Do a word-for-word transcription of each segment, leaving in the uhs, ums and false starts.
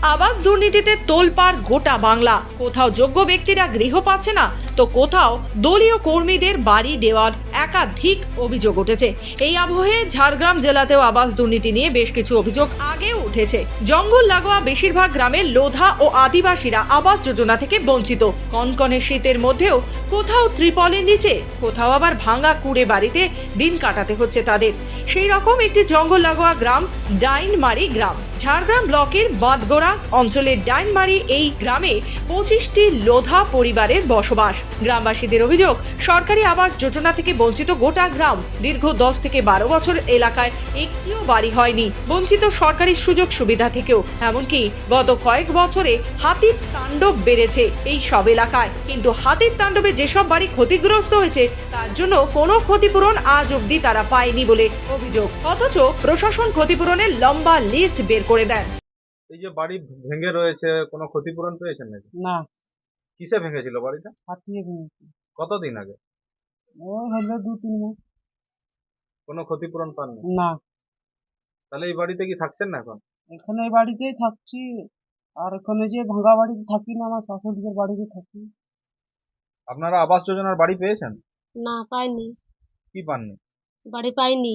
আবাস দুর্নীতিতে তোলপাড় গোটা বাংলা। কোথাও যোগ্য ব্যক্তিরা গৃহ পাচ্ছে না, তো কোথাও দলীয় কর্মীদের বাড়ি দেওয়ার একাধিক অভিযোগ উঠেছে। এই আবহে ঝাড়গ্রাম জেলাতেও আবাস দুর্নীতি নিয়ে বেশ কিছু অভিযোগ আগেও উঠেছে। জঙ্গল লাগোয়া বেশিরভাগ গ্রামের লোধা ও আদিবাসীরা আবাস যোজনা থেকে বঞ্চিত। কনকনে শীতের মধ্যেও কোথাও ত্রিপলের নিচে, কোথাও আবার ভাঙা কুড়ে বাড়িতে দিন কাটাতে হচ্ছে তাদের। সেই রকম একটি জঙ্গল লাগোয়া গ্রাম ডাইনমারি গ্রাম। ঝাড়গ্রাম ব্লকের বাঁধগোড়া অঞ্চলের ডাইনমারি এই গ্রামে পঁচিশটি লোধা পরিবারের বসবাস। গ্রামবাসীদের অভিযোগ, সরকারি আবাস যোজনা থেকে বঞ্চিত গোটা গ্রাম। দীর্ঘ দশ থেকে বারো বছর এলাকায় একটিও বাড়ি হয়নি। বঞ্চিত সরকারি সুযোগ সুবিধা থেকেও। এমনকি গত কয়েক বছরে হাতির তাণ্ডব বেড়েছে এই সব এলাকায়। কিন্তু হাতির তাণ্ডবে যেসব বাড়ি ক্ষতিগ্রস্ত হয়েছে তার জন্য কোনো ক্ষতিপূরণ আজ অবধি তারা পায়নি বলে অভিযোগ। অথচ প্রশাসন ক্ষতিপূরণের লম্বা লিস্ট বের করে দেন। এই যে বাড়ি ভেঙে রয়েছে, কোনো ক্ষতিপূরণ পেয়েছেন নাকি? না, কিসে ভেঙেছিল বাড়িটা? হাতিয়ে ভেঙেছে। কতদিন আগে? ওই হলো দু তিন মাস। কোনো ক্ষতিপূরণ পাননি? না, তাহলে এই বাড়িতে কি থাকছেন না এখন? এখানে এই বাড়িতেই থাকছি। আর এখানে যে ভাঙা বাড়িতে থাকি না, আমার শাশুড়িদের বাড়িতে থাকি। আপনারা আবাস যোজনার বাড়ি পেয়েছেন? না, পাইনি। কি পাননি? বাড়ি পাইনি।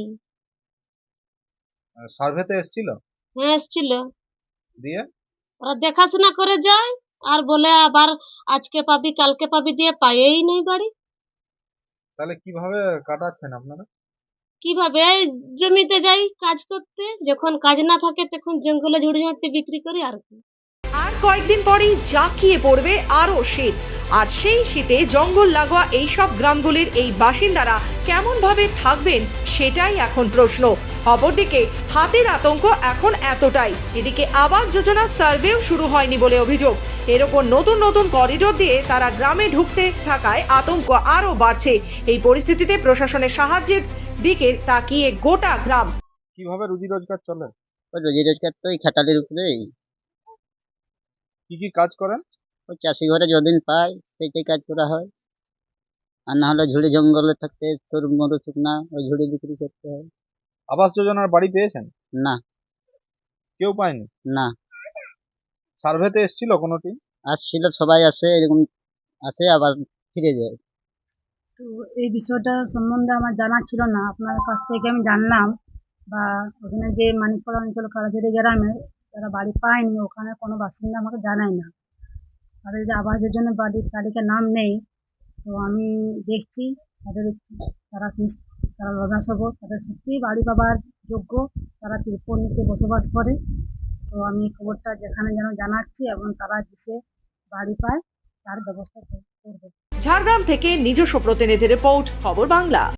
সার্ভেতে এসেছিল? হ্যাঁ, এসছিল। দিয়ে ওরা দেখাশোনা করে যায় আর বলে আবার আজকে পাবি কালকে পাবি, দিয়ে পাইই নেই বাড়ি। তাহলে কিভাবে কাটাচ্ছেন আপনারা? কিভাবে? এই জমিতে যাই কাজ করতে, যখন কাজ না থাকে তখন জঙ্গলে ঝুড়ি ঝাড়তে বিক্রি করি আর কি। আর কয়েকদিন পরেই জাঁকিয়ে পড়বে আরও শীত। আর সেই শীতে জঙ্গল লাগোয়া এইসব গ্রামগুলির এই বাসিন্দারা কেমনভাবে থাকবেন সেটাই এখন প্রশ্ন। অপরদিকে হাতির আতঙ্ক এখন এতটাই, এদিকে আবাস যোজনার সার্ভেও শুরু হয়নি বলে অভিযোগ। এর ওপর নতুন নতুন করিডোর দিয়ে তারা গ্রামে ঢুকতে থাকায় আতঙ্ক আরও বাড়ছে। এই পরিস্থিতিতে প্রশাসনের সাহায্যের দিকে তাকিয়ে গোটা গ্রাম। কিভাবে রুজি রোজগার চলে? ওই রোজি রোজগার তো এই খাটালির উপরেই। কি কি কাজ করেন? ওই চাষি ঘরে যদিন পায় সেইটাই কাজ করা হয়। আর না হলে ঝুড়ি জঙ্গলে থাকতে সরু মরু শুকনা ওই ঝুড়ি বিক্রি করতে হয়। আবাস যোজনার বাড়ি পেয়েছেন? না, কেউ পায়নি? না, সার্ভেতে এসেছিল কোনো টিম? আসছিল, সবাই আসে, এরকম আসে আবার ফিরে যায়। তো এই বিষয়টা সম্বন্ধে আমার জানা ছিল না, আপনার কাছ থেকে আমি জানলাম। বা ওখানে যে মানিকপাড়া অঞ্চল কারাঝুরি গ্রামে যারা বাড়ি পায়নি, ওখানে কোনো বাসিন্দা আমাকে জানায় না। তাদের যে আবাসের জন্য বাড়ির তালিকায় নাম নেই, তো আমি দেখছি তাদের তারা নিস- তারা লদাসব তাদের সত্যিই বাড়ি পাবার যোগ্য, তারা ত্রিপল নিতে বসবাস করে। তো আমি খবরটা যেখানে যেন জানাচ্ছি এবং তারা দেশে বাড়ি পায় তার ব্যবস্থা করবে। ঝাড়গ্রাম থেকে নিজস্ব প্রতিনিধি রিপোর্ট, খবর বাংলা।